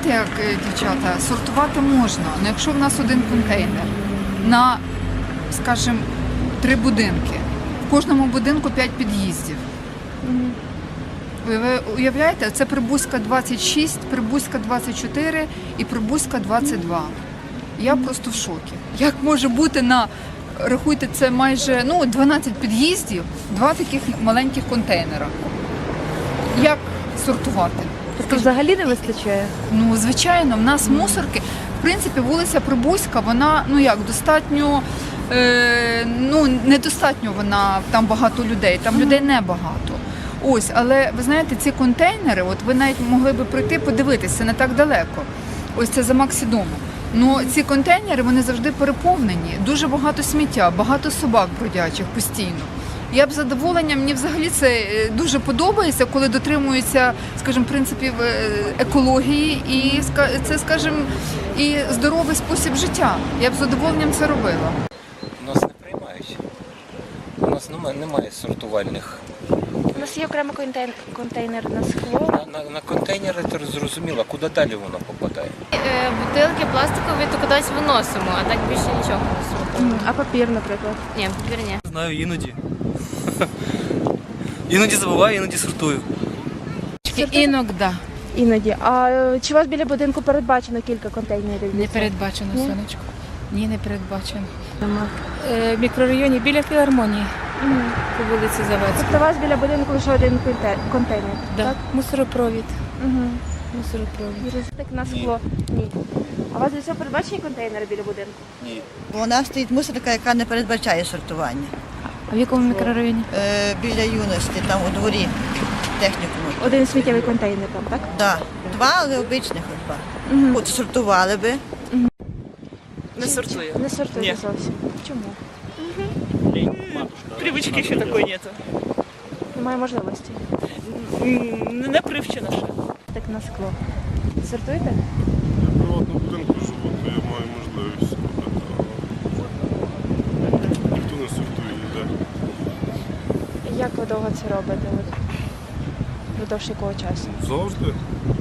знаєте, як, дівчата, сортувати можна, але якщо в нас один контейнер на, скажімо, 3 будинки, в кожному будинку 5 під'їздів. Ви уявляєте, це Прибузька 26, Прибузька 24 і Прибузька 22. Я просто в шокі. Як може бути рахуйте, це майже 12 під'їздів, 2 таких маленьких контейнера. Як сортувати? Тобто взагалі не вистачає? Ну, звичайно, в нас мусорки, в принципі, вулиця Прибузька, вона, достатньо, недостатньо вона, там багато людей, там людей небагато. Ось, але ви знаєте, ці контейнери, от ви навіть могли би прийти подивитися, не так далеко. Ось це за Максидомом. Ну, ці контейнери, вони завжди переповнені, дуже багато сміття, багато собак бродячих постійно. Я б з задоволенням, мені взагалі це дуже подобається, коли дотримуються, скажімо, принципів екології і це, скажімо, і здоровий спосіб життя. Я б з задоволенням це робила. У нас не приймають. У нас немає сортувальних. У нас є окремо контейнер на скло. На контейнери це зрозуміло, куди далі воно попадає. Бутилки пластикові то кудись виносимо, а так більше нічого не сортуємо. А папір, наприклад? Ні, папір ні. Знаю, іноді. Іноді забуваю, іноді сортую. Іногда. Іноді. А чи у вас біля будинку передбачено кілька контейнерів? Не передбачено, Ні? сонечко. Ні, не передбачено. В мікрорайоні біля філармонії по вулиці Заводській. Тобто у вас біля будинку лише один контейнер? Да. Так? Мусоропровід. Угу. Мусоропровід. Так на скло? Ні. А у вас для цього передбачені контейнери біля будинку? Вона стоїть мусорка, яка не передбачає сортування. А в якому мікрорайоні? Біля юності, там у дворі технікуму. Один сміттєвий контейнер там, так? Да. 2, але обичних два. От сортували би. Не сортую. Не сортуєте Ні. зовсім. Чому? Привычки еще такой нету. Немає можливості. Не привчена ще. Так на скло. Сортуєте? Я в приватному будинку живу, то я маю можливість робити, але ніхто не сортує ніде. Як ви довго це робите? Впродовж якого часу? Завжди.